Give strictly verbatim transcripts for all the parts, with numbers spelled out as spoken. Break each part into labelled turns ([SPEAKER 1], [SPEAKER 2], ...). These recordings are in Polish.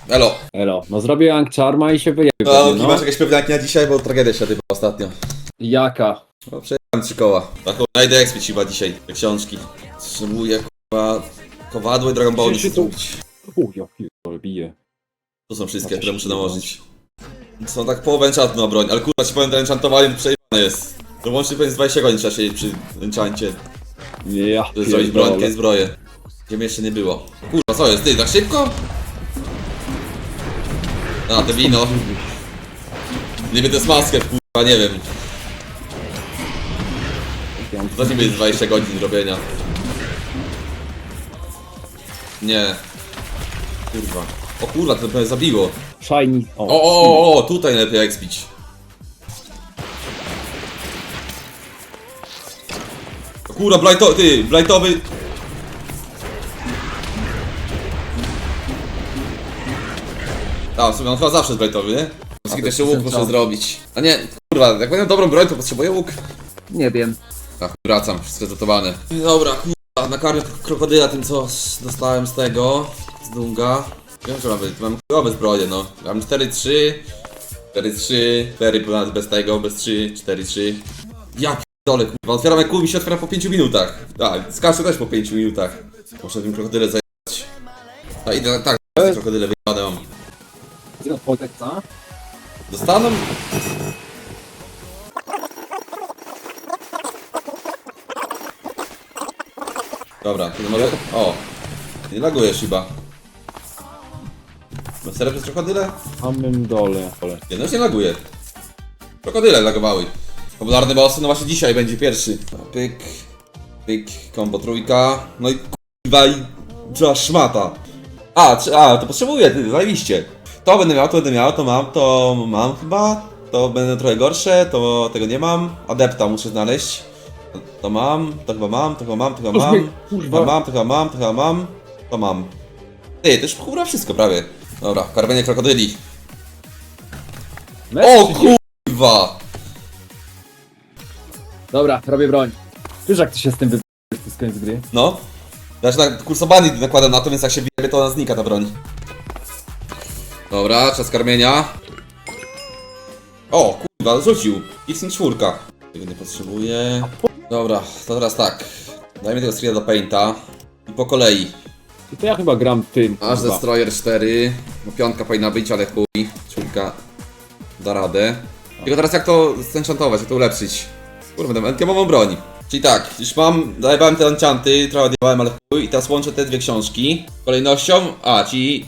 [SPEAKER 1] Elo.
[SPEAKER 2] Elo, no zrobię Young Charma i się wyjebie.
[SPEAKER 1] No,
[SPEAKER 2] No,
[SPEAKER 1] masz jakieś pewniaki na dzisiaj, bo tragedia się odbyła ostatnio.
[SPEAKER 2] Jaka?
[SPEAKER 1] No, przejechałem trzy koła. Taką najdę expić chyba dzisiaj, te książki. Potrzebuję kurwa kowadło i Dragon Ball
[SPEAKER 2] Przecież
[SPEAKER 1] muszę
[SPEAKER 2] tu-
[SPEAKER 1] zrobić.
[SPEAKER 2] U, ja pierdolę, bije.
[SPEAKER 1] To są wszystkie,
[SPEAKER 2] No,
[SPEAKER 1] które muszę
[SPEAKER 2] się
[SPEAKER 1] nałożyć. Są tak połowę enchantu na broń, ale kurwa ci powiem, to enchantowanie przejebane jest. To łącznie pewnie z dwadzieścia godzin trzeba siedzieć przy enchancie,
[SPEAKER 2] Ja
[SPEAKER 1] żeby zrobić
[SPEAKER 2] pierdolę.
[SPEAKER 1] brońkę i zbroję. Gdzie mnie jeszcze nie było. Kurwa, co jest? Ty, tak szybko? A, te wino. Niby to jest maskę, kurwa, nie wiem. To nie będzie dwadzieścia godzin robienia. Nie. Kurwa. O kurwa, to pewnie zabiło.
[SPEAKER 2] Shiny.
[SPEAKER 1] O, o, o, o, tutaj lepiej expić. O kurwa, blighto, ty, blightowy. A, w sumie on chyba zawsze jest blightowy, nie? Wszystkie też się łuk muszę zrobić. A nie, kurwa, jak będę dobrą broń, to potrzebuję łuk.
[SPEAKER 2] Nie wiem.
[SPEAKER 1] Ach, wracam, wszystko zgotowane. Dobra, kurwa, nakarmię krokodyla tym, co dostałem z tego, z Dunga. Wiem, że mamy, mam chujowe zbroje, no. Mam cztery trzy, cztery trzy, cztery ponad bez tego, bez trzy, cztery trzy. Ja p***dolę, kurwa, otwieram jak kół mi się otwiera po pięciu minutach. A, skaczę też po pięciu minutach. Muszę tym krokodyle zajebać. A idę, tak, te krokodyle wyjebane mam.
[SPEAKER 2] co?
[SPEAKER 1] Dostaną? Dobra, to może... O! Nie laguje Shiba. Ma serio przez krokodyle?
[SPEAKER 2] W samym dole. dole.
[SPEAKER 1] Nie, no już nie laguje. Krokodyle lagowały. Popularny boss, no właśnie dzisiaj będzie pierwszy. Pyk, pyk, combo trójka. No i kurwa i... Trzeba szmata. A, czy, a, to potrzebuję, ty, zajebiście. To będę miał, to będę miał, to mam, to mam chyba. To będę trochę gorsze, to tego nie mam. Adepta muszę znaleźć. To, to mam, to chyba mam, to chyba mam, to chyba mam.
[SPEAKER 2] Kurwa.
[SPEAKER 1] To mam, to chyba mam, to chyba mam. To mam. Ty, to już chyba wszystko prawie. Dobra, karmienie krokodyli. O kurwa!
[SPEAKER 2] Dobra, robię broń. Wiesz jak ty się z tym wybrałeś, to jest koniec gry?
[SPEAKER 1] No. Znaczy na kursowani nakładam na to, więc jak się wiemy, to ona znika ta broń. Dobra, czas karmienia. O, kurwa, rzucił. X czwórka. Tego nie potrzebuję. Dobra, to teraz tak. Dajmy tego streama do painta. I po kolei.
[SPEAKER 2] I to ja chyba gram tym.
[SPEAKER 1] Aż
[SPEAKER 2] kurwa.
[SPEAKER 1] Destroyer cztery. No piątka powinna być, ale chuj. Czwórka da radę. Tylko teraz jak to zenchantować, jak to ulepszyć? Kurwa, będę enkiemową broń. Czyli tak, już mam, dawałem te enchanty, trochę odjebałem, ale chuj. I teraz łączę te dwie książki. Kolejnością, a, ci...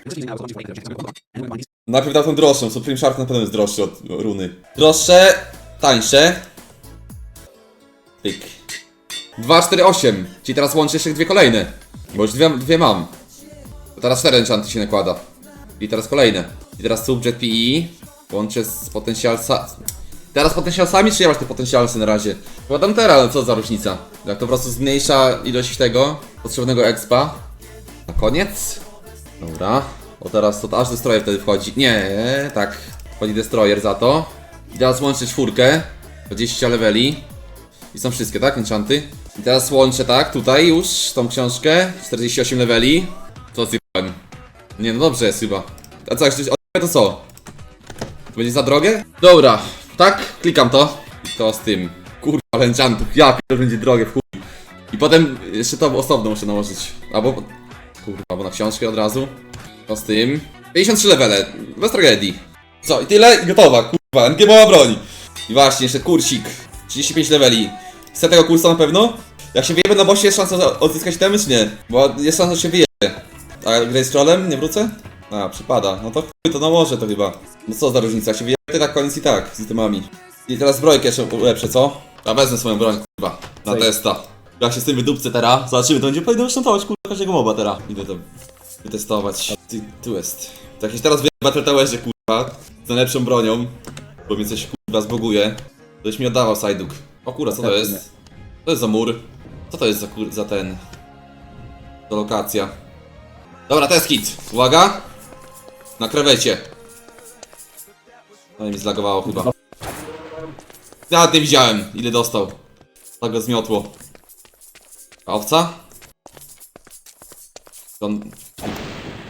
[SPEAKER 1] Najpierw dał tą droższą, Supreme Shark na pewno jest droższy od runy. Droższe, tańsze. Pyk. dwa, cztery, osiem. Czyli teraz łączę jeszcze dwie kolejne. Bo już dwie, dwie mam. To teraz cztery enchanty się nakłada. I teraz kolejne. I teraz Subjet P E. Łączę z potencjalsa... Teraz potencjalsami, czy ja masz te potencjalsy na razie? Wkładam teraz, no co za różnica. Jak to po prostu zmniejsza ilość tego potrzebnego expa. Na koniec. Dobra. O teraz to aż Destroyer wtedy wchodzi. Nie, tak. Wchodzi Destroyer za to. I teraz łączę czwórkę. dwadzieścia leveli. I są wszystkie, tak? Enchanty. I teraz łączę, tak? Tutaj już tą książkę. czterdzieści osiem leveli. Co zjebałem? Nie, no dobrze jest chyba. A co, jak ktoś odjebie, to co? To będzie za drogie? Dobra. Tak? Klikam to. I to z tym. Kurwa, ale enchantów. Ja to będzie drogie w chuj. I potem jeszcze to osobno muszę nałożyć. Albo... Kurwa, bo na książkę od razu. To z tym. pięćdziesiąt trzy levele. Bez tragedii. Co? I tyle? I gotowa. Kurwa, enkiemowa broń. I właśnie, jeszcze kursik. trzydzieści pięć leveli. Chcę tego kursa na pewno? Jak się wyjebie na bossie, jest szansa odzyskać temy, czy nie? Bo jest szansa, że się wyjebie. A grę z trollem? Nie wrócę? A, przypada. No to chuj, to nałożę to chyba. No co za różnica, jak się wyjebie, tak koniec i tak, z itemami. I teraz zbrojkę jeszcze ulepszę, co? Ja wezmę swoją broń, kurwa, na
[SPEAKER 2] Sej.
[SPEAKER 1] testa. Jak się z tym wydupcę teraz, zobaczymy, to będzie powinno szantować, kurwa, każdego moba teraz. Idę to wytestować. Ty, tu jest. To jakieś teraz wyjebę Battle Towerze, kurwa, z najlepszą bronią. Bo mnie coś, kurwa, zboguje. Ktoś mi oddawał Sajduk. O kurwa, co to jest? Co to jest za mur? Co to jest za, kur... za ten... To lokacja. Dobra, to jest hit. Uwaga. Na krewecie. No i mi zlagowało chyba. Nawet nie widziałem, ile dostał. Tak go zmiotło. A owca? On...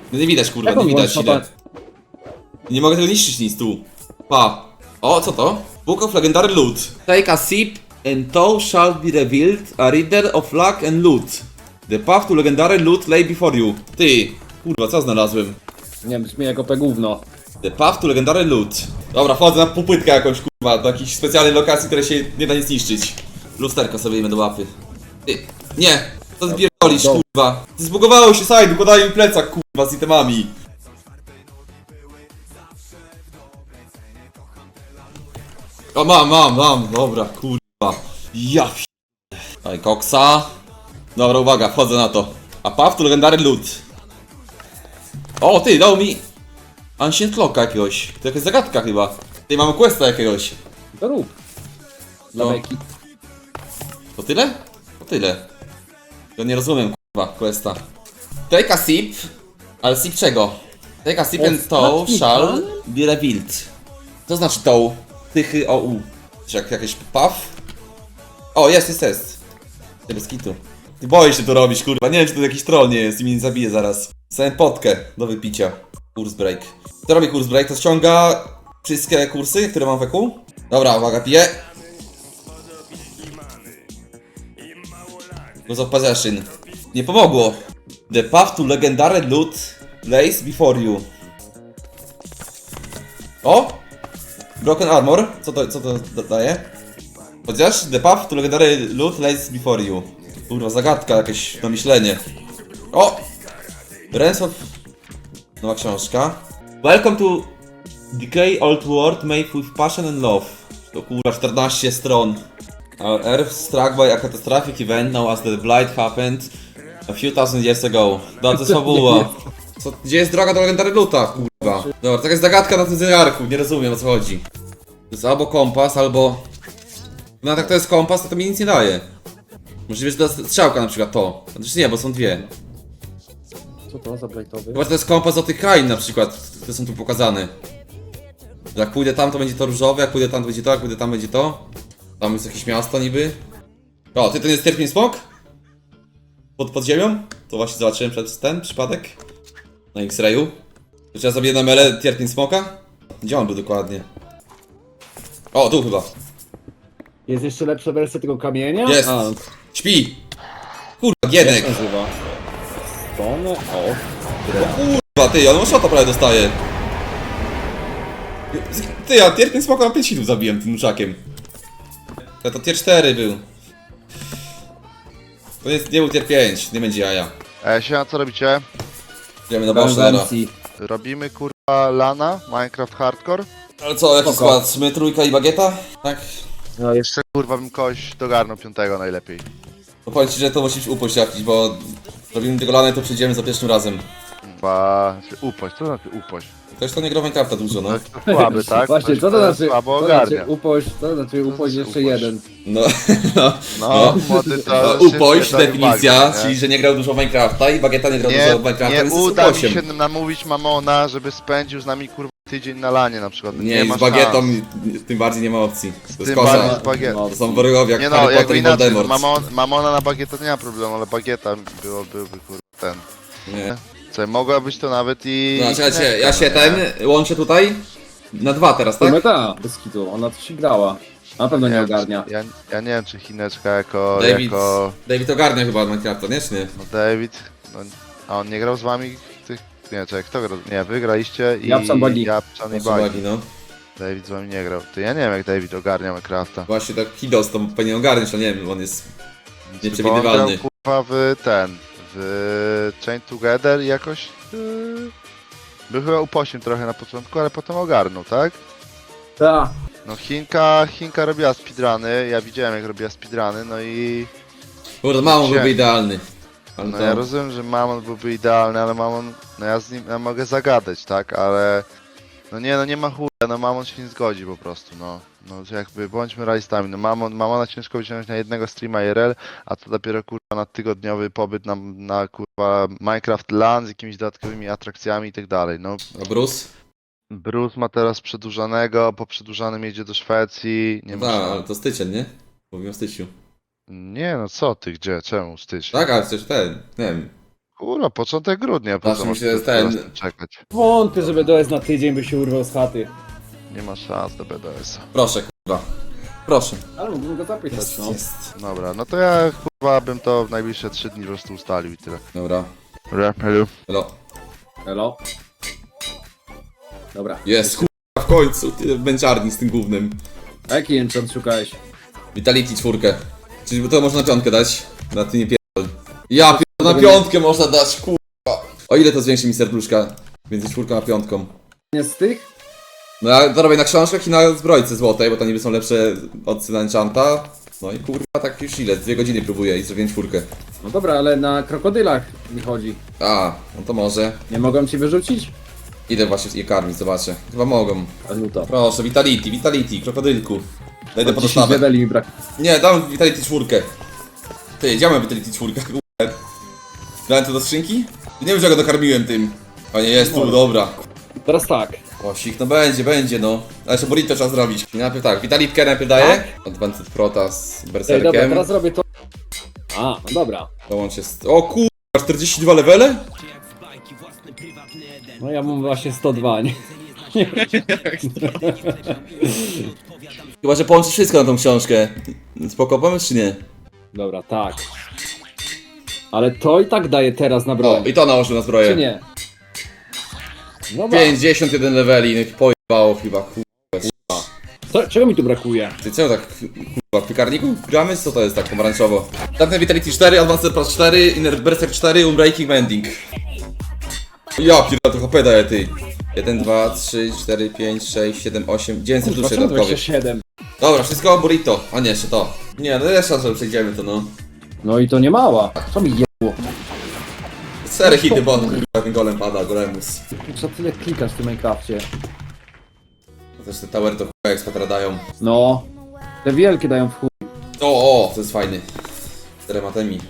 [SPEAKER 1] No nie widać, kurwa,
[SPEAKER 2] Jak on
[SPEAKER 1] nie widać
[SPEAKER 2] włącza
[SPEAKER 1] ile. Nie mogę tego niszczyć nic tu. Pa. O, co to? Book of Legendary Loot. Take a sip and thou shall be revealed a reader of luck and loot. The path to legendary loot lay before you. Ty, kurwa, co znalazłem?
[SPEAKER 2] Nie wiem, brzmi jako te gówno.
[SPEAKER 1] The path to legendary loot. Dobra, wchodzę na popłytkę jakąś, kurwa, do jakiejś specjalnej lokacji, której się nie da nic zniszczyć. Lusterko sobie jemy do łapy. Ty, nie, to zbierdolisz,
[SPEAKER 2] Do-
[SPEAKER 1] kurwa. Zbugowało się side, układają mi plecak, kurwa, z itemami. O, mam, mam, mam, dobra, kurwa. Ja p... Daj koksa. Dobra, uwaga, wchodzę na to. A path to legendary loot. O, ty, dał mi... Ancient Clocka jakiegoś. To jakaś zagadka chyba. Ty, mamy questa jakiegoś.
[SPEAKER 2] To rób. Dla
[SPEAKER 1] No.
[SPEAKER 2] beki.
[SPEAKER 1] To tyle? To tyle. Ja nie rozumiem, kurwa, questa. Take a sip. Ale sip czego? Take a sip and thou
[SPEAKER 2] Ostatni
[SPEAKER 1] shall
[SPEAKER 2] pan?
[SPEAKER 1] be revealed. Co znaczy thou? Tychy o u. Czy jak, jakieś puff? O, jest, jest, jest. Ty bez kitu. Ty boisz się to robić, kurwa. Nie wiem, czy to jakiś troll nie jest i mnie nie zabije zaraz. Dostałem potkę do wypicia. Kurs break. Co robi kurs break? To ściąga wszystkie kursy, które mam w E Q. Dobra, uwaga, piję. Use of possession. Nie pomogło. The path to legendary loot lays before you. O! Broken armor. Co to, co to da- daje? Chociaż the path to legendary loot lays before you. Kurwa, zagadka, jakieś na myślenie. O! Rens of... Nowa książka. Welcome to Decay Old World made with passion and love. To kurwa czternaście stron. Our Earth struck by a catastrophic event now as the blight happened a few thousand years ago. No to jest fabuła. Co, gdzie jest droga do legendary loota, kurwa? Dobra, taka jest zagadka na tym zegarku, nie rozumiem o co chodzi. To jest albo kompas, albo... No tak to jest kompas, to to mi nic nie daje. Możliwe, że to jest strzałka na przykład to. Znaczy nie, bo są dwie.
[SPEAKER 2] Co to za blightowy?
[SPEAKER 1] Chyba, że to jest kompas do tych krain na przykład, które są tu pokazane. Że jak pójdę tam, to będzie to różowe, jak pójdę tam, to będzie to, jak pójdę tam, będzie to. Tam jest jakieś miasto niby. O, ty to nie jest Tierpin Smok? Pod, pod ziemią? To właśnie zobaczyłem przez ten przypadek. Na X-Rayu. To trzeba sobie na mele Tierpin Smoka? Gdzie on był dokładnie? O, tu chyba.
[SPEAKER 2] Jest jeszcze lepsza wersja tego kamienia?
[SPEAKER 1] Jest!
[SPEAKER 2] A,
[SPEAKER 1] Śpi! Kurwa,
[SPEAKER 2] jak
[SPEAKER 1] Gienek!
[SPEAKER 2] się nazywa? Stone? O.
[SPEAKER 1] Kurwa, ty, on shota prawie dostaje. Ty, ja Tierpin Smoka na pięć hitów zabiłem tym nuszakiem. To, to tier cztery był. To jest, nie był tier pięć, nie będzie jaja.
[SPEAKER 3] E, siema, co robicie?
[SPEAKER 1] Idziemy na boss teraz.
[SPEAKER 2] Konwencji.
[SPEAKER 3] Robimy kurwa lana, Minecraft Hardcore?
[SPEAKER 1] Ale co, jaki
[SPEAKER 2] Spoko.
[SPEAKER 1] skład? My trójka i bagieta? Tak?
[SPEAKER 3] No jeszcze kurwa bym kogoś dogarnął piątego najlepiej.
[SPEAKER 1] To powiem ci, że to musisz upość jakiś, bo robimy tego lana i to przyjdziemy za pierwszym razem.
[SPEAKER 3] Chyba... upość, co to znaczy upość?
[SPEAKER 1] Ktoś to nie gra w Minecrafta dużo, no.
[SPEAKER 3] To słaby, tak?
[SPEAKER 2] Właśnie,
[SPEAKER 3] Ktoś,
[SPEAKER 2] co to
[SPEAKER 3] kto
[SPEAKER 2] znaczy?
[SPEAKER 3] Słabo
[SPEAKER 2] Co to znaczy
[SPEAKER 3] ogarnia.
[SPEAKER 2] upość, co to znaczy upość
[SPEAKER 3] znaczy
[SPEAKER 2] jeszcze
[SPEAKER 3] upość?
[SPEAKER 2] jeden.
[SPEAKER 1] No, no.
[SPEAKER 3] No, młody to...
[SPEAKER 1] No,
[SPEAKER 3] szybkie
[SPEAKER 1] upość,
[SPEAKER 3] do
[SPEAKER 1] definicja,
[SPEAKER 3] uwagi, nie?
[SPEAKER 1] czyli że nie grał dużo w Minecrafta i bagieta nie grał
[SPEAKER 3] Nie,
[SPEAKER 1] dużo w Minecrafta,
[SPEAKER 3] nie
[SPEAKER 1] więc jest
[SPEAKER 3] uda mi
[SPEAKER 1] osiem.
[SPEAKER 3] się namówić Mamona, żeby spędził z nami kurwa tydzień na lanie na przykład. Nie,
[SPEAKER 1] Nie,
[SPEAKER 3] ma
[SPEAKER 1] z bagietą
[SPEAKER 3] szans.
[SPEAKER 1] tym bardziej nie ma opcji. To jest
[SPEAKER 3] Tym
[SPEAKER 1] kosa.
[SPEAKER 3] bardziej z bagietą.
[SPEAKER 1] To są wrogowie jak
[SPEAKER 3] Nie no,
[SPEAKER 1] Harry
[SPEAKER 3] jakby
[SPEAKER 1] Potter i
[SPEAKER 3] inaczej,
[SPEAKER 1] Voldemort.
[SPEAKER 3] mamon, Mamona na bagietę to nie ma problemu, ale bagieta było, byłby kurwa ten.
[SPEAKER 1] Nie.
[SPEAKER 3] Co, mogła być to nawet i...
[SPEAKER 1] No, czekajcie, ja się
[SPEAKER 3] nie?
[SPEAKER 1] ten łączę tutaj na dwa teraz, tak?
[SPEAKER 2] Tak? ta, bez kitu, ona to się grała. Na pewno nie
[SPEAKER 3] Ja-
[SPEAKER 2] ogarnia.
[SPEAKER 3] Ja, ja nie wiem, czy Chineczka jako...
[SPEAKER 1] David,
[SPEAKER 3] jako...
[SPEAKER 1] David ogarnia chyba Minecrafta, nie? Czy nie?
[SPEAKER 3] No David... No, a on nie grał z wami tych... Nie, czekaj, kto grał? Nie, wy graliście i...
[SPEAKER 2] Japczan Bagi.
[SPEAKER 3] Japczan i
[SPEAKER 1] Proszę
[SPEAKER 3] Bagi.
[SPEAKER 1] uwagi, no.
[SPEAKER 3] David z wami nie grał. Ty, ja nie wiem jak David ogarnia Minecrafta.
[SPEAKER 1] Właśnie tak Hidos to powinien ogarniać, ale nie wiem, on jest
[SPEAKER 3] Bo on
[SPEAKER 1] nieprzewidywalny.
[SPEAKER 3] grał, kurwa, w ten... w Chain Together i jakoś... Yy, był chyba upośnił trochę na początku, ale potem ogarnął, tak?
[SPEAKER 2] Ta.
[SPEAKER 3] No Chinka, Chinka robiła speedruny, ja widziałem jak robiła speedruny, no i...
[SPEAKER 1] Kurde, mało
[SPEAKER 3] Gdzie?
[SPEAKER 1] byłby idealny. Ale
[SPEAKER 3] No
[SPEAKER 1] to...
[SPEAKER 3] ja rozumiem, że Mamon byłby idealny, ale Mamon... No ja z nim ja mogę zagadać, tak? Ale... No nie, no nie ma chuja, no Mamon się nie zgodzi po prostu, no. No jakby bądźmy realistami, no Mamon, Mamona ciężko wyciągnąć na jednego streama I R L, a to dopiero kurwa na tygodniowy pobyt na, na kurwa Minecraft LAN z jakimiś dodatkowymi atrakcjami i tak dalej, no.
[SPEAKER 1] A Bruce?
[SPEAKER 3] Bruce ma teraz przedłużanego, po przedłużanym jedzie do Szwecji, nie
[SPEAKER 1] No
[SPEAKER 3] ma
[SPEAKER 1] tak,
[SPEAKER 3] szans.
[SPEAKER 1] ale to styczeń, nie? Mówimy o styczniu.
[SPEAKER 3] Nie no co ty, gdzie, czemu stycz?
[SPEAKER 1] Tak, ale coś ten, nie wiem.
[SPEAKER 3] Kurwa, początek grudnia, po
[SPEAKER 1] Znaczy
[SPEAKER 3] co
[SPEAKER 1] mi
[SPEAKER 3] masz
[SPEAKER 1] się
[SPEAKER 3] tu
[SPEAKER 1] ten-
[SPEAKER 3] teraz czekać?
[SPEAKER 2] Wątpię, żeby D S na tydzień by się urwał z chaty.
[SPEAKER 3] Nie ma szans do B D S.
[SPEAKER 1] Proszę, kurwa. Proszę.
[SPEAKER 2] Ale mógłbym go zapytać,
[SPEAKER 1] Jest,
[SPEAKER 2] no.
[SPEAKER 1] jest.
[SPEAKER 3] Dobra, no to ja kurwa bym to w najbliższe trzy dni po prostu ustalił i tyle.
[SPEAKER 1] Dobra.
[SPEAKER 3] Dobra, hello.
[SPEAKER 1] Hello.
[SPEAKER 2] Elo? Dobra.
[SPEAKER 1] Jest, kurwa, w końcu. Ty męczarni z tym głównym.
[SPEAKER 2] A jaki enchant szukałeś?
[SPEAKER 1] Vitality czwórkę. Czyli to można na piątkę dać. Na ty nie pierdol. Ja pierdol, na piątkę można dać, kurwa. O ile to zwiększy mi serduszka? Między czwórką a piątką.
[SPEAKER 2] Nie z tych?
[SPEAKER 1] No ja to robię na książkach i na zbrojce złotej, bo to niby są lepsze od Enchanta. No i kurwa, tak już ile? Dwie godziny próbuję i zrobiłem czwórkę.
[SPEAKER 2] No dobra, ale na krokodylach mi chodzi.
[SPEAKER 1] A, no to może.
[SPEAKER 2] Nie mogą ci wyrzucić?
[SPEAKER 1] Idę właśnie je karmić, zobaczę. Chyba mogą.
[SPEAKER 2] A no to.
[SPEAKER 1] Proszę, Vitality, Vitality, krokodylku. Dajdę po
[SPEAKER 2] dziesięć
[SPEAKER 1] dostawę.
[SPEAKER 2] leveli mi brak.
[SPEAKER 1] Nie, dam Vitality czwórkę. Ty, gdzie mam Vitality czwórkę? Kurwa. Dałem to do skrzynki? Nie wiem, że go dokarmiłem tym. A nie, jest tu,
[SPEAKER 2] Może.
[SPEAKER 1] dobra.
[SPEAKER 2] Teraz tak.
[SPEAKER 1] Osik, no będzie, będzie, no. Ale jeszcze burrito trzeba zrobić. Najpierw tak, Vitalitkę najpierw daję. Advanced Prota z
[SPEAKER 2] Ej, dobra,
[SPEAKER 1] Berserkiem.
[SPEAKER 2] teraz robię to. A, no dobra.
[SPEAKER 1] Dołącz się z... O kurwa, czterdzieści dwa levele?
[SPEAKER 2] No ja mam właśnie sto dwa, nie?
[SPEAKER 1] Chyba, że połączysz wszystko na tą książkę. Spoko pomysł, czy nie?
[SPEAKER 2] Dobra, tak. Ale to i tak daje teraz na
[SPEAKER 1] O,
[SPEAKER 2] broń.
[SPEAKER 1] i to nałożył na zbroję.
[SPEAKER 2] Czy nie? Dobra.
[SPEAKER 1] pięćdziesiąt jeden leveli, no i pojebało chyba, kurwa.
[SPEAKER 2] Co, czego mi tu brakuje?
[SPEAKER 1] Ty co tak, kurwa, w piekarniku gramy? Co to jest tak pomarańczowo? Tamten Vitality cztery, Advanced Plus cztery, Inner Berserk cztery, Unbreaking Mending. Ja pierdolę, to H P daje, ty. jeden, dwa, trzy, cztery, pięć, sześć, siedem, osiem, dziewięćset duszy
[SPEAKER 2] Dlaczego
[SPEAKER 1] dodatkowych.
[SPEAKER 2] dwadzieścia siedem?
[SPEAKER 1] Dobra, wszystko burrito. A nie, jeszcze to. Nie, no jest szansa, że przejdziemy to, no.
[SPEAKER 2] No i to nie mała. Co mi jebło?
[SPEAKER 1] Cztery hity, bo on, kurwa, ten golem pada, golemus.
[SPEAKER 2] Co tyle klikasz w tym Minecrafcie?
[SPEAKER 1] Też te tower to chuj ekstra dają.
[SPEAKER 2] No. Te wielkie dają w chuj.
[SPEAKER 1] O, o, to jest fajny. Czterematemi.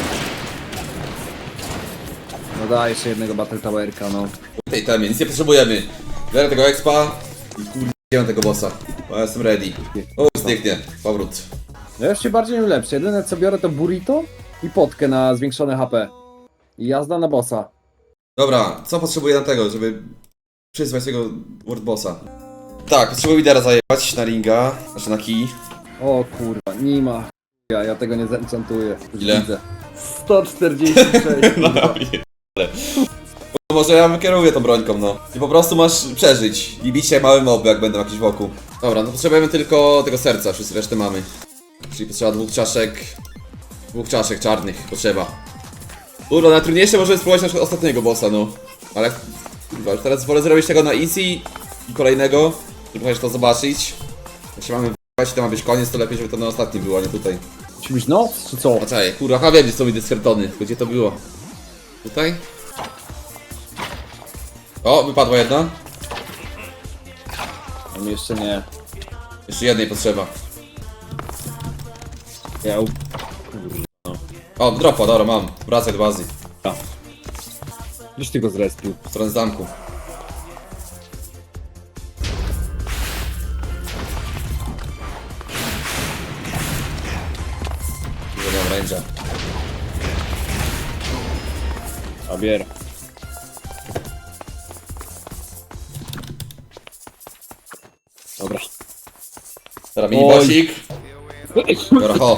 [SPEAKER 2] No daj jeszcze jednego Battle Towerka, no.
[SPEAKER 1] W tej temie, nic nie potrzebujemy. Biorę tego expa i kurde, tego bossa. Bo ja jestem ready. O, zniknie. Powrót.
[SPEAKER 2] Ja już się bardziej nie lepszy. Jedyne co biorę to burrito i potkę na zwiększone H P. I jazda na bossa.
[SPEAKER 1] Dobra, co potrzebuję na tego, żeby przyzwać tego World Bossa? Tak, potrzebuję lidera zajebać na ringa, znaczy na kij.
[SPEAKER 2] O kurwa, nie ma. Ja, ja tego nie zenchantuję. Już
[SPEAKER 1] Ile?
[SPEAKER 2] widzę. sto czterdzieści sześć. kurwa.
[SPEAKER 1] No może ja wykieruję tą brońką, no. I po prostu masz przeżyć. I bić się małe moby, jak będą jakieś wokół. Dobra, no potrzebujemy tylko tego serca, wszyscy resztę mamy. Czyli potrzeba dwóch czaszek... Dwóch czaszek czarnych potrzeba. Kurwa, najtrudniejsze może spróbować naszego ostatniego bossa, no. Ale... Kurwa, już teraz wolę zrobić tego na easy i kolejnego, żeby chociaż to zobaczyć. Jak się mamy w***ać, to ma być koniec, to lepiej, żeby to na ostatnim było, a nie tutaj.
[SPEAKER 2] Musi być noc, czy co?
[SPEAKER 1] A czekaj, kurwa, chyba wiem, gdzie są mi deskertony, tylko gdzie to było? Tutaj? O, wypadła jedna.
[SPEAKER 2] Tam jeszcze nie.
[SPEAKER 1] Jeszcze jednej potrzeba.
[SPEAKER 2] Ja...
[SPEAKER 1] O, dropa, dobra, mam. Wracaj do bazy.
[SPEAKER 2] Gdzieś ty go zrespił.
[SPEAKER 1] W stronę zamku. Dużo mam range'a.
[SPEAKER 2] A bier. Dobra.
[SPEAKER 1] Teraz mini
[SPEAKER 2] Oj.
[SPEAKER 1] bossik. Dobra, ho.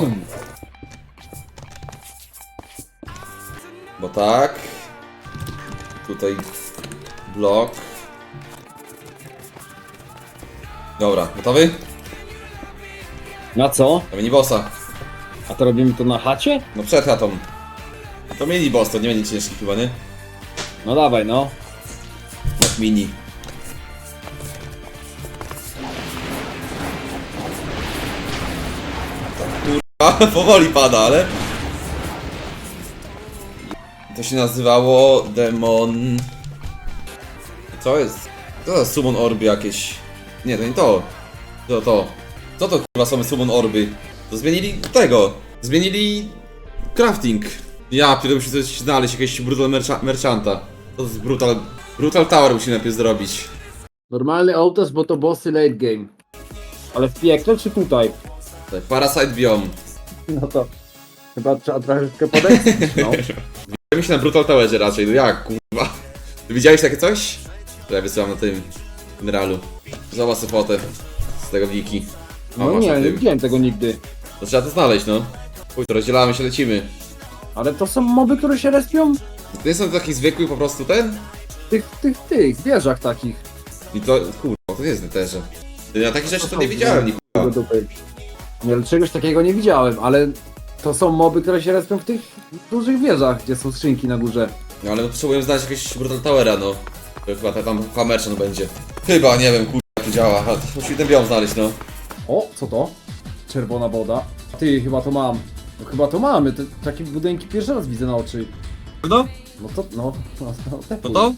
[SPEAKER 1] Bo tak. Tutaj blok. Dobra, gotowy?
[SPEAKER 2] Na co?
[SPEAKER 1] To mini bossa.
[SPEAKER 2] A to robimy to na chacie?
[SPEAKER 1] No przed chatą. To mini boss, to nie będzie ciężki chyba, nie?
[SPEAKER 2] No dawaj, no.
[SPEAKER 1] Jak mini. Kurwa, powoli pada, ale... To się nazywało Demon... Co jest? Co to za summon orby jakieś? Nie, to nie to. To to. Co to kurwa są summon orby? To zmienili tego. Zmienili... crafting. Ja pierdolę, muszę coś znaleźć, jakiegoś brutal mercha merchanta. To jest brutal... Brutal tower musimy najpierw zrobić.
[SPEAKER 2] Normalny ołtarz, bo to bossy late game. Ale w piekle czy tutaj?
[SPEAKER 1] Parasite Biome.
[SPEAKER 2] No to... Chyba trzeba troszeczkę podejść. No.
[SPEAKER 1] Ja się na Brutal Towerze raczej, no jak, kurwa. Ty widziałeś takie coś? To ja wysyłam na tym generalu. Zobacz sobie fotę z tego wiki. O,
[SPEAKER 2] No
[SPEAKER 1] masz
[SPEAKER 2] nie,
[SPEAKER 1] na
[SPEAKER 2] nie
[SPEAKER 1] tym.
[SPEAKER 2] widziałem tego nigdy.
[SPEAKER 1] To trzeba to znaleźć, no. Chuj, to rozdzielamy się, lecimy.
[SPEAKER 2] Ale to są moby, które się respią
[SPEAKER 1] To nie są taki zwykły po prostu ten?
[SPEAKER 2] w tych, tych, tych wieżach takich.
[SPEAKER 1] I to, kurwa, to jest neterze. Ja takich rzeczy to nie widziałem,
[SPEAKER 2] Do
[SPEAKER 1] nikogo.
[SPEAKER 2] dupy. Nie, ale czegoś takiego nie widziałem, ale to są moby, które się respią w tych dużych wieżach, gdzie są skrzynki na górze.
[SPEAKER 1] No ale potrzebuję znaleźć jakiegoś Brutal Towera, no. To chyba ta- tam Hammerson będzie. Chyba, nie wiem, kurwa, jak to działa. A, musimy ten biom znaleźć, no.
[SPEAKER 2] O, co to? Czerwona woda. Ty, chyba to mam. No chyba to mamy, te, takie budynki pierwszy raz widzę na oczy.
[SPEAKER 1] No?
[SPEAKER 2] No to, no, no, no, te
[SPEAKER 1] To to?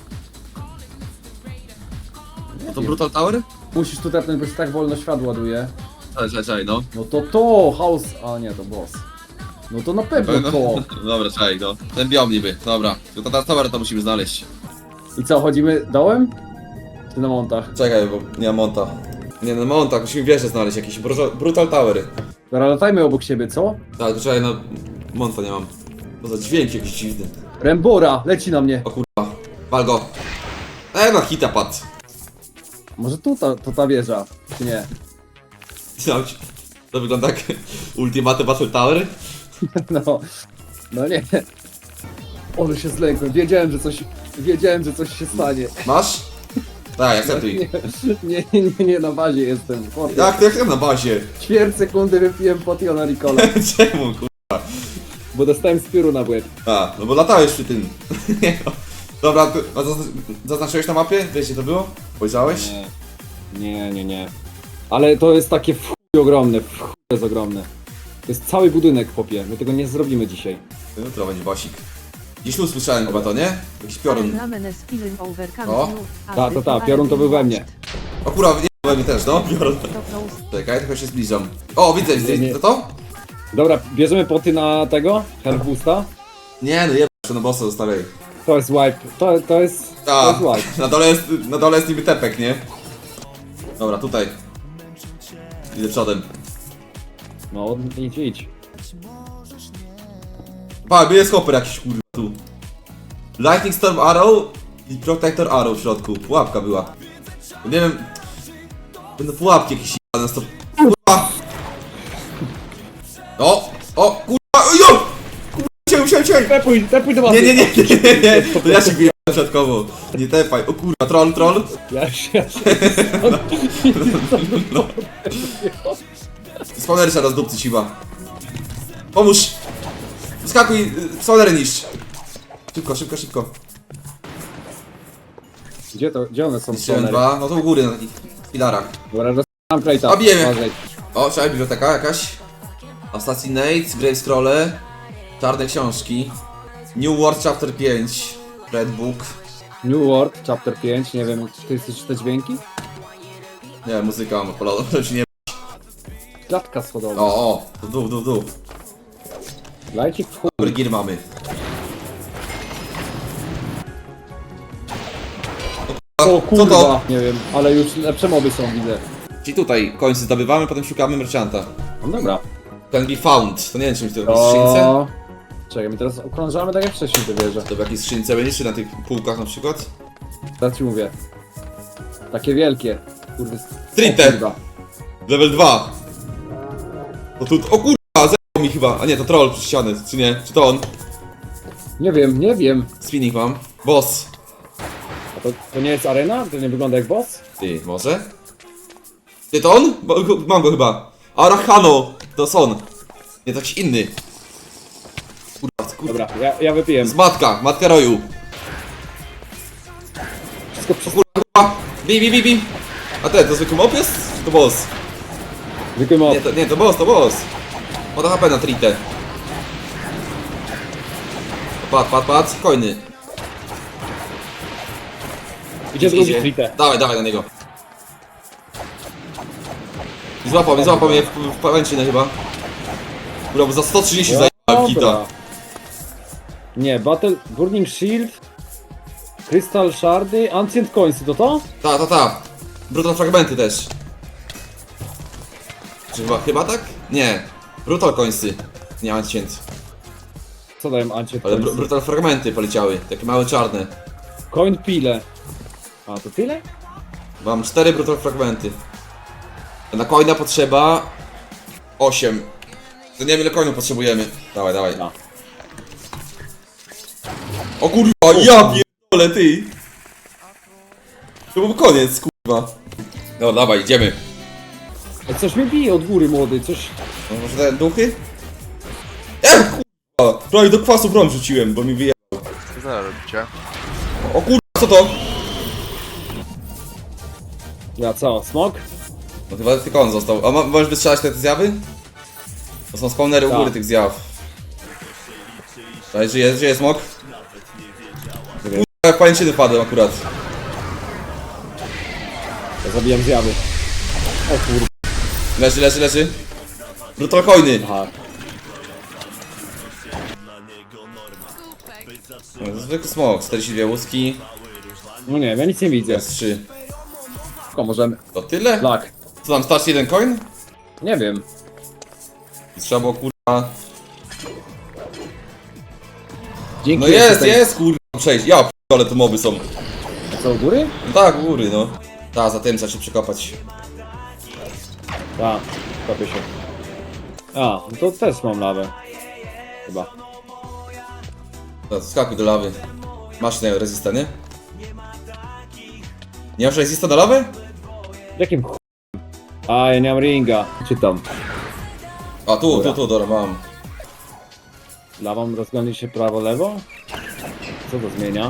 [SPEAKER 2] Nie
[SPEAKER 1] No to
[SPEAKER 2] wiem.
[SPEAKER 1] Brutal Tower?
[SPEAKER 2] Musisz tu tepnąć, bo się tak wolno świat ładuje.
[SPEAKER 1] Czekaj, czekaj, czekaj, no.
[SPEAKER 2] No to to, house... A nie, to boss. No to na pewno to.
[SPEAKER 1] Dobra, czekaj, no. Ten biom niby, dobra. Brutal Tower to musimy znaleźć.
[SPEAKER 2] I co, chodzimy dołem? Czy na montach?
[SPEAKER 1] Czekaj, bo nie ma monta. Nie, no monta, musimy wieżę znaleźć, jakiś Brutal, brutal Tower.
[SPEAKER 2] Dobra, latajmy obok siebie, co?
[SPEAKER 1] Tak, to czekaj, no. Monta nie mam. To za dźwięk jakiś dziwny.
[SPEAKER 2] Rembora, leci na mnie.
[SPEAKER 1] O kurwa. Wal go. E, na hita padł.
[SPEAKER 2] Może tu ta, to ta wieża, czy nie?
[SPEAKER 1] To wygląda jak Ultimate Battle Tower.
[SPEAKER 2] No, no nie. Ole się zlękłem, wiedziałem, że coś, wiedziałem, że coś się stanie.
[SPEAKER 1] Masz? Tak, akceptuj.
[SPEAKER 2] Nie, nie, nie, nie, na bazie jestem. Chłopie.
[SPEAKER 1] Jak to jak to na bazie?
[SPEAKER 2] Ćwierć sekundy wypiłem potiona Ricola,
[SPEAKER 1] Czemu kurwa?
[SPEAKER 2] bo dostałem spiru na łeb.
[SPEAKER 1] A, no bo latałeś przy tym. Nie, no. Dobra, ty, a zazn- zaznaczyłeś na mapie? Wiesz gdzie to było? Spojrzałeś?
[SPEAKER 2] Nie, nie, nie, nie. Ale to jest takie w chuj ogromne, w chuj jest ogromne. To jest cały budynek, chłopie, my tego nie zrobimy dzisiaj.
[SPEAKER 1] Jutro będzie basik. Gdzieś tu słyszałem chyba to, nie? Jakiś piorun. O,
[SPEAKER 2] Ta, ta, ta, piorun to był we mnie.
[SPEAKER 1] O kurwa, nie we mnie też, no? Piorun. Czekaj, trochę się zbliżam. O, widzę, widzę,
[SPEAKER 2] Nie, nie.
[SPEAKER 1] to to?
[SPEAKER 2] Dobra, bierzemy poty na tego, health boosta.
[SPEAKER 1] Nie, no jeb... na bossa zostawiaj.
[SPEAKER 2] To jest wipe, to, to jest, to
[SPEAKER 1] A,
[SPEAKER 2] jest wipe.
[SPEAKER 1] na dole jest, na dole jest niby tepek, nie? Dobra, tutaj. Idę przodem.
[SPEAKER 2] No, idź, idź.
[SPEAKER 1] Pa, jest hopper jakiś kurwa tu. Lightning Storm Arrow i Protector Arrow w środku. Pułapka była. Nie wiem... Będą pułapki jakieś na stop. Kurwa! O! O! Kurwa! Jo! Kurwa! Cię, cię, cię!
[SPEAKER 2] Tepuj, tepuj do was.
[SPEAKER 1] Nie, nie, nie, nie, nie, nie! To ja się biję środkowo. Nie tepaj. O kurwa, troll, troll.
[SPEAKER 2] Ja się, ja się
[SPEAKER 1] No. Spawnery trzeba rozdupcy siła. Pomóż! Skakuj! Spawnery niszcz! Szybko, szybko, szybko.
[SPEAKER 2] Gdzie to, gdzie one są?
[SPEAKER 1] Niszczyłem
[SPEAKER 2] spawnery?
[SPEAKER 1] dwa, no to u góry na takich filarach.
[SPEAKER 2] Dobra, dostałem krajta.
[SPEAKER 1] A, bijemy.
[SPEAKER 2] Uważaj.
[SPEAKER 1] O, trzeba biblioteka jakaś. Assassinate, Grave Scrolle, czarne książki. New World Chapter pięć, Red Book.
[SPEAKER 2] New World, chapter pięć, nie wiem, czy ty chcesz te dźwięki?
[SPEAKER 1] Nie, muzyka mam odpaloną, żeby się nie...
[SPEAKER 2] Klatka schodowa.
[SPEAKER 1] O, o, w dół, w dół, w dół.
[SPEAKER 2] Lajcik w chuj.
[SPEAKER 1] Dobry gear mamy.
[SPEAKER 2] O
[SPEAKER 1] Co
[SPEAKER 2] kurwa,
[SPEAKER 1] to?
[SPEAKER 2] nie wiem, ale już lepsze moby są, widzę.
[SPEAKER 1] Czyli tutaj końce zdobywamy, potem szukamy merchanta.
[SPEAKER 2] No dobra.
[SPEAKER 1] Can be found. To nie wiem, czymś to w jakiejś skrzynce?
[SPEAKER 2] O... Czekaj, my teraz okrążamy tak jak wcześniej te wieże.
[SPEAKER 1] To w jakiejś skrzynce będzie, czy na tych półkach na przykład?
[SPEAKER 2] Teraz ci mówię. Takie wielkie. Kurde.
[SPEAKER 1] Trinte.
[SPEAKER 2] O kurwa.
[SPEAKER 1] Level dwa. O tu, o kurwa, zerwał mi chyba. A nie, to troll przez ścianę, czy nie? Czy to on?
[SPEAKER 2] Nie wiem, nie wiem.
[SPEAKER 1] Spinning mam. Boss.
[SPEAKER 2] A to, to nie jest arena? To nie wygląda jak boss?
[SPEAKER 1] Ty, może? Ty, to on? Bo, go- mam go chyba. Arachano. To jest on. Nie, to jakiś inny. Kurwa, kurwa.
[SPEAKER 2] Dobra, ja, ja wypiję.
[SPEAKER 1] Z matka, matka roju.
[SPEAKER 2] Wszystko przez...
[SPEAKER 1] Kurwa. Bi, bi, bi, bi. A ten, to zwykły mop jest? Czy to boss?
[SPEAKER 2] Zwykły mob.
[SPEAKER 1] Nie, to, nie, to boss, to boss. Ma to H P na tritę. Pat, pat, pat, coiny.
[SPEAKER 2] Idzie drugi trite.
[SPEAKER 1] Dawaj, dawaj na niego. I złapał mnie, złapał mnie w, w pałęczynę chyba. Kurwa, bo za sto trzydzieści zajebałem kita.
[SPEAKER 2] Dobra. Nie, Battle... Burning Shield... Crystal Shardy, Ancient Coinsy, to to?
[SPEAKER 1] Ta, ta, ta. Brutal fragmenty też. Czy chyba, chyba tak? Nie. Brutal coinsy. Nie, ancient.
[SPEAKER 2] Co dają ancie?
[SPEAKER 1] Ale br brutal fragmenty poleciały, takie małe czarne.
[SPEAKER 2] Coin pile. A, to tyle?
[SPEAKER 1] Mam cztery brutal fragmenty. A na coina potrzeba osiem. To nie wiem ile coinu potrzebujemy. Dawaj, dawaj.
[SPEAKER 2] No.
[SPEAKER 1] O kurwa, ja pierdolę ty! To był koniec, kurwa. No dawaj, idziemy.
[SPEAKER 2] Ej, coś mnie bije od góry, młody, coś...
[SPEAKER 1] No, może te duchy? Ech, kurwa! Prawie do kwasu brom rzuciłem, bo mi wyje...
[SPEAKER 3] Co zaraz robicie?
[SPEAKER 1] O kurwa, co to?
[SPEAKER 2] Ja co, smok?
[SPEAKER 1] No chyba tylko on został. A ma, możesz wystrzelać te zjawy? To są spawnery u
[SPEAKER 2] Tak.
[SPEAKER 1] góry tych zjaw. Daj, żyje, żyje smok? Kurwa, jak pajęczyny wpadłem akurat.
[SPEAKER 2] Ja zabijam zjawy. O kurwa.
[SPEAKER 1] Leży, leży, leży. Brutal coiny.
[SPEAKER 2] Aha.
[SPEAKER 1] No, zwykły smok, czterdzieści dwie łuski.
[SPEAKER 2] No nie wiem, ja nic nie widzę.
[SPEAKER 1] Jest trzy.
[SPEAKER 2] Tylko możemy...
[SPEAKER 1] To tyle?
[SPEAKER 2] Lak.
[SPEAKER 1] Co tam, starczy jeden coin?
[SPEAKER 2] Nie wiem.
[SPEAKER 1] I trzeba było kurwa...
[SPEAKER 2] Dzięki.
[SPEAKER 1] No jest, jest kurwa przejść. Ja ale to moby są.
[SPEAKER 2] A co, u góry?
[SPEAKER 1] No tak, u góry no. Ta, za tym trzeba się przekopać.
[SPEAKER 2] Tak, kopię się. A, no to też mam lawę. Chyba.
[SPEAKER 1] To skakuj do lawy. Masz na resista, nie? Nie masz resista do lawy?
[SPEAKER 2] Jakim ch... A, ja nie mam ringa. Czytam.
[SPEAKER 1] A tu,
[SPEAKER 2] Dobra.
[SPEAKER 1] tu, tu, dobra, mam.
[SPEAKER 2] Lawą rozglądnie się prawo-lewo? Co to zmienia?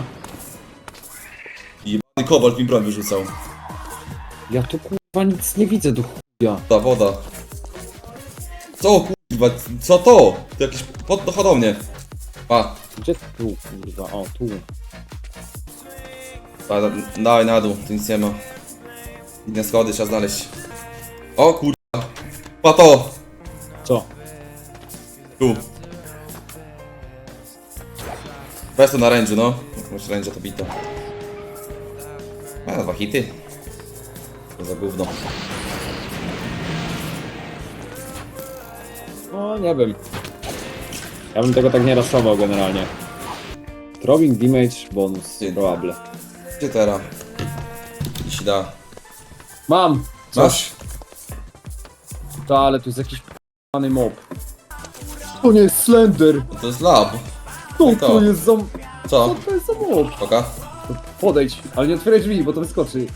[SPEAKER 1] Jebany kobalt mi broń wyrzucał.
[SPEAKER 2] Ja tu kurwa nic nie widzę do chuja.
[SPEAKER 1] Ta woda. Co kurwa, co to? To jakiś pod dochodownie. A,
[SPEAKER 2] Gdzie tu kurwa? O, tu.
[SPEAKER 1] da, da, dawaj na dół, tu nic nie ma. Inne schody trzeba znaleźć. O kurwa. Pa to!
[SPEAKER 2] Co?
[SPEAKER 1] Tu. Weź to na rędziu, no. Masz rędzia to bito. A, dwa hity. To za gówno.
[SPEAKER 2] No, nie wiem. Ja bym tego tak nie raszował generalnie. Throwing damage bonus.
[SPEAKER 1] Ty.
[SPEAKER 2] Probable.
[SPEAKER 1] Gdzie teraz? Jeśli da.
[SPEAKER 2] Mam!
[SPEAKER 1] Masz?
[SPEAKER 2] To, ale tu jest jakiś p***ny mob. To nie jest Slender!
[SPEAKER 1] To jest lab.
[SPEAKER 2] Co
[SPEAKER 1] to?
[SPEAKER 2] to jest za... Co
[SPEAKER 1] Co?
[SPEAKER 2] to jest za mob?
[SPEAKER 1] Oka?
[SPEAKER 2] Podejdź, ale nie otwieraj drzwi, bo to wyskoczy.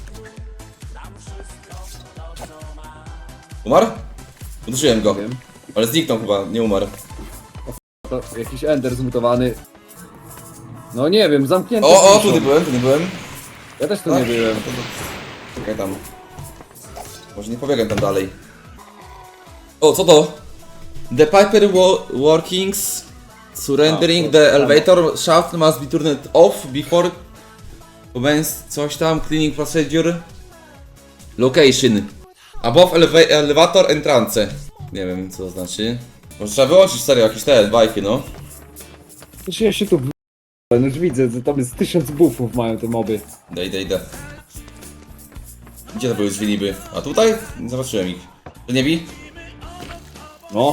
[SPEAKER 1] Umarł? Uderzyłem go.
[SPEAKER 2] Nie wiem.
[SPEAKER 1] Ale zniknął chyba, nie umarł.
[SPEAKER 2] To jakiś ender zmutowany. No nie wiem, zamknięty.
[SPEAKER 1] O, o,
[SPEAKER 2] piszą.
[SPEAKER 1] tu nie byłem, tu nie byłem.
[SPEAKER 2] Ja też tu nie byłem.
[SPEAKER 1] No to- to- Czekaj tam. Może nie pobiegam tam dalej. O, co to? The Piper wo workings surrendering
[SPEAKER 2] A, to
[SPEAKER 1] the
[SPEAKER 2] samo.
[SPEAKER 1] elevator shaft must be turned off before commence coś tam cleaning procedure. Location above eleva elevator entrance. Nie wiem co to znaczy. Może trzeba wyłączyć serio jakieś te bajki, no.
[SPEAKER 2] Znaczy ja się tu w... No już widzę, że tam jest tysiąc buffów mają te moby.
[SPEAKER 1] Idę, idę, idę. Gdzie to były drzwi niby? A tutaj? Nie zobaczyłem ich. To nie bi?
[SPEAKER 2] No.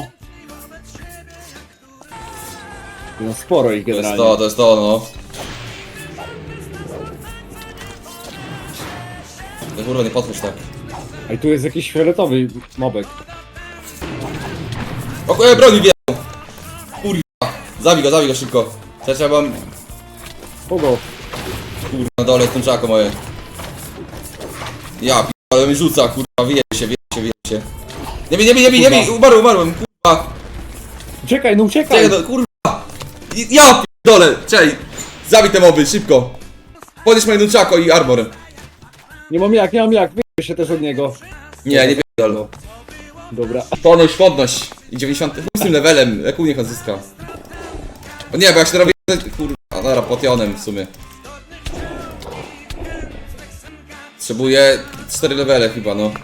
[SPEAKER 2] No sporo ich
[SPEAKER 1] To jest
[SPEAKER 2] generalnie.
[SPEAKER 1] to, to jest to, no. No kurwa, nie podchodź tak.
[SPEAKER 2] A i tu jest jakiś fioletowy mobek.
[SPEAKER 1] O kurwa, broni wjechał! Kurwa, zabij go, zabij go szybko. Ja trzeba mam...
[SPEAKER 2] Kogo?
[SPEAKER 1] Kurwa, na dole jest tęczako moje. Ja ale mi rzuca, kurwa, wyje się, wyje się, wyje się. Nie bij, nie bij, nie bij, nie bij, umarłem, umarłem, kurwa.
[SPEAKER 2] Uciekaj, no uciekaj!
[SPEAKER 1] Czekaj, no, kurwa. I- Ja dole, czekaj. Zabij te moby, szybko. Podnieś moje nunchako i armor.
[SPEAKER 2] Nie mam jak, nie mam jak, wyjdę się też od niego.
[SPEAKER 1] Nie, nie pierdol.
[SPEAKER 2] Dobra.
[SPEAKER 1] Podnoś, podnoś. I dziewięćdziesiątym ósmym levelem, jak u niech on zyska. O nie, bo jak się robi... Kurwa, dobra, potionem w sumie. Potrzebuję cztery levele chyba, no.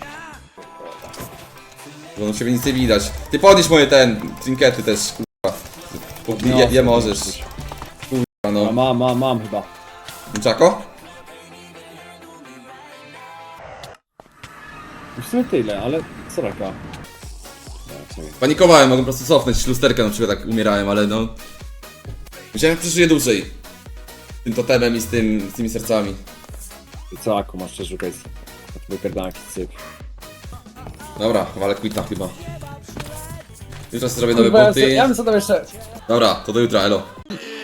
[SPEAKER 1] Bo no ciebie nic nie widać. Ty podnieś moje ten, trinkety też, kurwa. Bo Je, je możesz. Kurwa,
[SPEAKER 2] A
[SPEAKER 1] no.
[SPEAKER 2] mam, mam, mam chyba.
[SPEAKER 1] Czako?
[SPEAKER 2] W sumie tyle, ale co raka?
[SPEAKER 1] Panikowałem, mogłem po prostu cofnąć lusterkę na przykład, tak umierałem, ale no... Widziałem, jak przeżyje dłużej. Z tym totemem i z, tym, z tymi sercami.
[SPEAKER 2] I co, Aku, masz jeszcze szukać? Wypierdalaki, syp.
[SPEAKER 1] Dobra, walę quita chyba. Jutro sobie zrobię nowe
[SPEAKER 4] Kurwa, ja,
[SPEAKER 1] buty.
[SPEAKER 4] sobie- ja bym sobie tam jeszcze...
[SPEAKER 1] Dobra, to do jutra, elo.